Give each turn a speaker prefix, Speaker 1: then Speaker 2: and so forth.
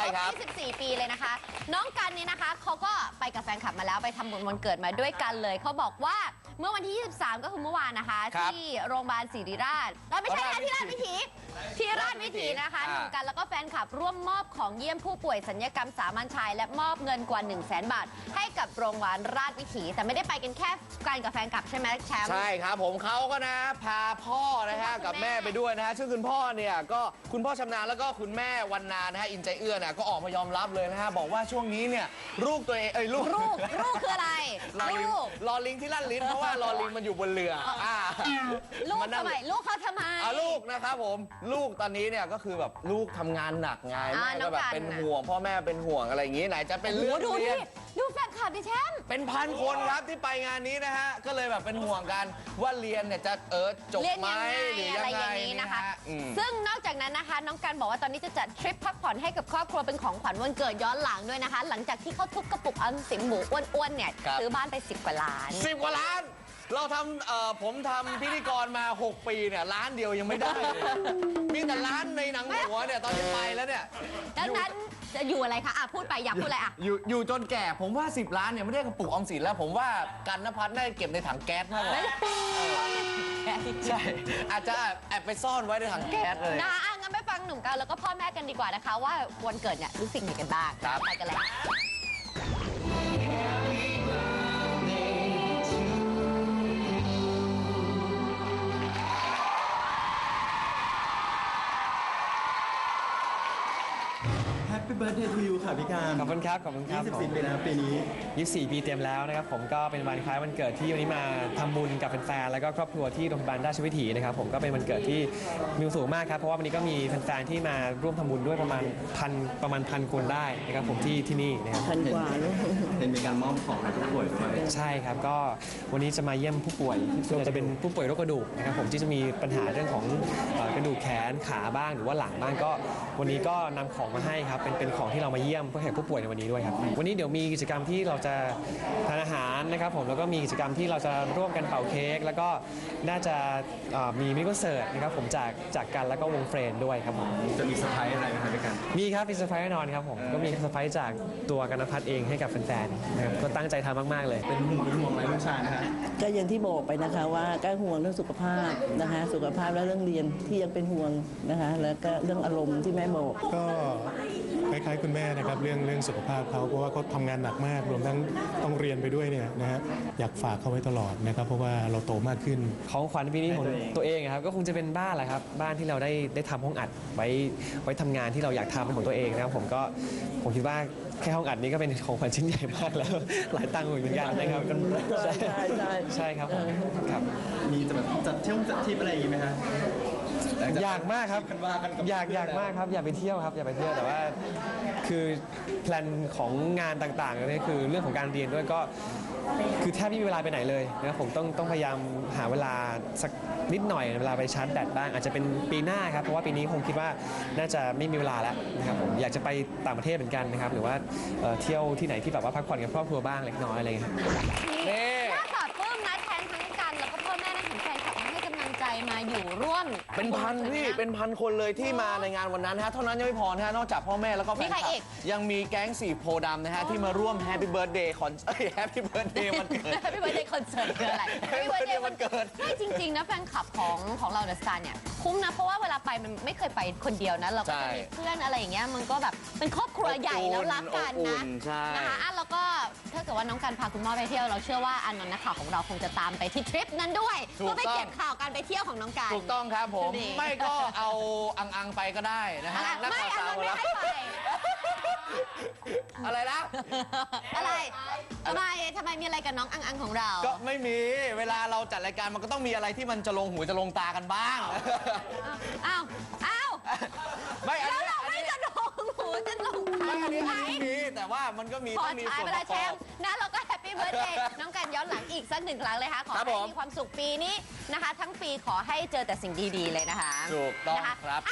Speaker 1: ช่ครับ
Speaker 2: 24 ปีเลยนะคะ น้องกันนี่นะคะเขาก็ไปกับแฟนคลับมาแล้วไปทำบุญวันเกิดมาด้วยกันเลยเขาบอกว่าเมื่อวันที่ 23 ก็คือเมื่อวานนะคะที่โรงพยาบาลศิริราชไม่ใช่นะที่ราชวิถีนะคะหนุ่มกันแล้วก็แฟนคลับร่วมมอบของเยี่ยมผู้ป่วยสัญญกรรมสามัญชายและมอบเงินกว่า 100,000 บาทให้กับโรงพยาบาลราชวิถีแต่ไม่ได้ไปกันแค่กันกับแฟนคลับใช่ไหมแชมป์
Speaker 1: ใช่ครับผมเขาก็นะพาพ่อนะฮะกับแม่ไปด้วยนะฮะซึ่งคุณพ่อเนี่ยก็คุณพ่อชำนาญแล้วก็คุณแม่วันนานะฮะอินใจเอื้อนะก็ออกมายอมรับเลยนะฮะบอกว่าช่วงนี้เนี่ยลูกตัวเองลูก
Speaker 2: คืออะไร
Speaker 1: รอลิงที่ลั่นลิ้นเพราะว่ารอลิงมันอยู่บนเรือ
Speaker 2: ลูกทำไมลูกเขาทำไม
Speaker 1: ลูกนะครับผมลูกตอนนี้เนี่ยก็คือแบบลูกทำงานหนักไงแม่ก็แบบเป็นห่วงพ่อแม่เป็นห่วงอะไรอย่างงี้ไหนจะเป็นเรื่องเรียน
Speaker 2: ดูแฟนคลับดิแชมป์
Speaker 1: เป็นพันคนครับที่ไปงานนี้นะฮะก็เลยแบบเป็นห่วงกันว่าเรียนเนี่ยจะจบไหมหรือยังไง
Speaker 2: นะคะซึ่งนอกจากนั้นนะคะน้องกันบอกว่าตอนนี้จะจัดทริปพักผ่อนให้กับครอบครัวเป็นของขวัญวันเกิดย้อนหลังด้วยนะคะหลังจากที่เขาทุบกระปุกออมสินหมูอ้วนๆเนี่ยซื้อบ้านไป10 กว่าล้าน
Speaker 1: 10 กว่าล้านเราทำผมทำพิธีกรมา6 ปีเนี่ยล้านเดียวยังไม่ได้เลยมีแต่ล้านในหนังหัวเนี่ยตอนที่ไปแล้วเนี่ย
Speaker 2: ดังนั้นจะอยู่อะไรคะพูดไปอยากพูดอะไร
Speaker 1: อยู่จนแก่ผมว่า10 ล้านเนี่ยไม่ได้กระปุกออมสินแล้วผมว่ากันณภัทรได้เก็บในถังแก๊สมากกว่าใช่อาจจะแอบไปซ่อนไว้ในถังแก๊สเลย
Speaker 2: นะงั้นไปฟังหนุ่มกันแล้วก็พ่อแม่กันดีกว่านะคะว่าวันเกิดเนี่ยรู้สึกยังไงกันบ้างไปกันเลย
Speaker 3: Happy Birthday to you ค่ะพี่การ
Speaker 4: ขอบคุณครับ
Speaker 3: 24 ปีแล้วปีนี้
Speaker 4: 24 ปีเต็มแล้วนะครับผมก็เป็นวันคล้ายวันเกิดที่วันนี้มาทำบุญกับแฟนๆแล้วก็ครอบครัวที่โรงพยาบาลราชวิถีนะครับผมก็เป็นวันเกิดที่มีความสุขมากครับเพราะว่าวันนี้ก็มีแฟนๆที่มาร่วมทำบุญด้วยประมาณพันคนได้นะครับผมที่นี่นะครับ
Speaker 3: พันกว่าเห็นมีการมอบของให้ผู้ป่วยด้วย
Speaker 4: ใช่ครับก็วันนี้จะมาเยี่ยมผู้ป่วยส่วนจะเป็นผู้ป่วยโรคกระดูกนะครับผมที่จะมีปัญหาเรื่องของกระดูกแขนขาบ้างหรือว่าหลังบ้างก็วันนี้ก็นำของมาให้ครับเป็นของที่เรามาเยี่ยมเพื่อแขกผู้ป่วยในวันนี้ด้วยครับวันนี้เดี๋ยวมีกิจกรรมที่เราจะทานอาหารนะครับผมแล้วก็มีกิจกรรมที่เราจะร่วมกันเป่าเค้กแล้วก็น่าจะมีมินิคอนเสิร์ตนะครับผมจากกันแล้วก็วงเฟรนด์ด้วยครับผม
Speaker 3: จะมีเซอร์ไพรส์อะไรไหมครับพี่การ
Speaker 4: มีครับมีเซอร์ไพรส์แน่นอนครับผมก็มีเซอร์ไพรส์จากตัวกันณภัทรเองให้กับแฟนๆนะครับก็ตั้งใจทำมากๆเลย
Speaker 3: เป็นห่วงอะไรลูกชายนะฮะ
Speaker 5: ก็อย่างที่บอกไปนะคะว่าก็ห่วงเรื่องสุขภาพนะคะสุขภาพและเรื่องเรียนที่ยังเป็นห่วงนะคะแล้วก็เรื่องอารมณ์ที่แม่บอก
Speaker 6: ก็คล้ายๆคุณแม่นะครับเรื่องสุขภาพเขาเพราะว่าเขาทำงานหนักมากรวมทั้งต้องเรียนไปด้วยเนี่ยนะฮะอยากฝากเขาไว้ตลอดนะครับเพราะว่าเราโตมากขึ้น
Speaker 4: ของขวัญปีนี้ของตัวเองครับก็คงจะเป็นบ้านแหละครับบ้านที่เราได้ทำห้องอัดไว้ทำงานที่เราอยากทำเป็นของตัวเองนะครับผมคิดว่าแค่ห้องอัดนี้ก็เป็นของขวัญชิ้นใหญ่มากแล้วหลายตังค์เหมือนกันนะครับใช่ครับครับ
Speaker 3: มีจะแบบจัดเที่ยวจัดทริปอะไรอย่างงี้ไหมฮะ
Speaker 4: อยากมากครับอยากมากครับอยากไปเที่ยวครับอยากไปเที่ยวแต่ว่าคือแพลนของงานต่างๆนี่คือเรื่องของการเรียนด้วยก็คือแทบไม่มีเวลาไปไหนเลยนะครับผมต้องพยายามหาเวลาสักนิดหน่อยเวลาไปชาร์จแบตบ้างอาจจะเป็นปีหน้าครับเพราะว่าปีนี้คงคิดว่าน่าจะไม่มีเวลาแล้วนะครับผมอยากจะไปต่างประเทศเหมือนกันนะครับหรือว่าเที่ยวที่ไหนที่แบบว่าพักผ่อนกับครอบครัวบ้างเล็กน้อยอะไรอย่างเงี้ย
Speaker 2: น่าปลอดปลื้มนะแทนทั้งกันแล้วก็พ่อแม่ทั้งแฟนคลับให้กำลังใจมาอยู่ร่วม
Speaker 1: เป็นพันพี่เป็นพันคนเลยที่มาในงานวันนั้นฮะเท่านั้นยังไม่พอนะฮะนอกจากพ่อแม่แล้วก็แฟนคลับยังมีแก๊ง4 โพธิ์ดำนะฮะที่มาร่วมแฮปปี้เบิร์ธเดย์แฮปปี้เบิร์ธเดย์วันเกิด
Speaker 2: แฮปปี้เบิร์ธเดย์คอนเสิร์ตคืออะไรแฮปปี้เบิร์ธเดย์วันเกิดไม่จริงๆนะแฟนคลับของเราเดอะสตาร์เนี่ยคุ้มนะเพราะว่าเวลาไปมันไม่เคยไปคนเดียวนะเราก็จะมีเพื่อนอะไรอย่างเงี้ยมันก็แบบเป็นครอบครัวใหญ่แล้วรักกันนะนะคะแล้วก็ถ้าเกิดว่าน้องกันพาคุณพ่อไปเที่ยวเราเชื่อว่าอานนท์นักข่าวของเราคงจะตามไปที่ทริปนั้นด้วยเพื่อไปเก็บข่าวการไปเที่ยวของน้องกัน
Speaker 1: ถูกต้องครับผมไม่ก็เอาอังไปก็ได้นะฮะ
Speaker 2: ไม่อานนท์ไม่ให้ไป
Speaker 1: อะไรนะ
Speaker 2: อะไรทำไมมีอะไรกับน้องอังของเรา
Speaker 1: ก็ไม่มีเวลาเราจัดรายการมันก็ต้องมีอะไรที่มันจะลงหูจะลงตากันบ้าง
Speaker 2: อ้าว
Speaker 1: ไม่อันนี้
Speaker 2: ไม่จะลงหูจะลงตา
Speaker 1: อันนี้มีแต่ว่ามันก็มีต้องมีส่วนประกอบ
Speaker 2: นะเราก็แฮปปี้เบิร์ธเดย์น้องกันย้อนหลังอีกสัก1 ครั้งเลยค่ะขอให้มีความสุขปีนี้นะคะทั้งปีขอให้เจอแต่สิ่งดีๆเลยนะคะ
Speaker 1: ถูกต้องครับ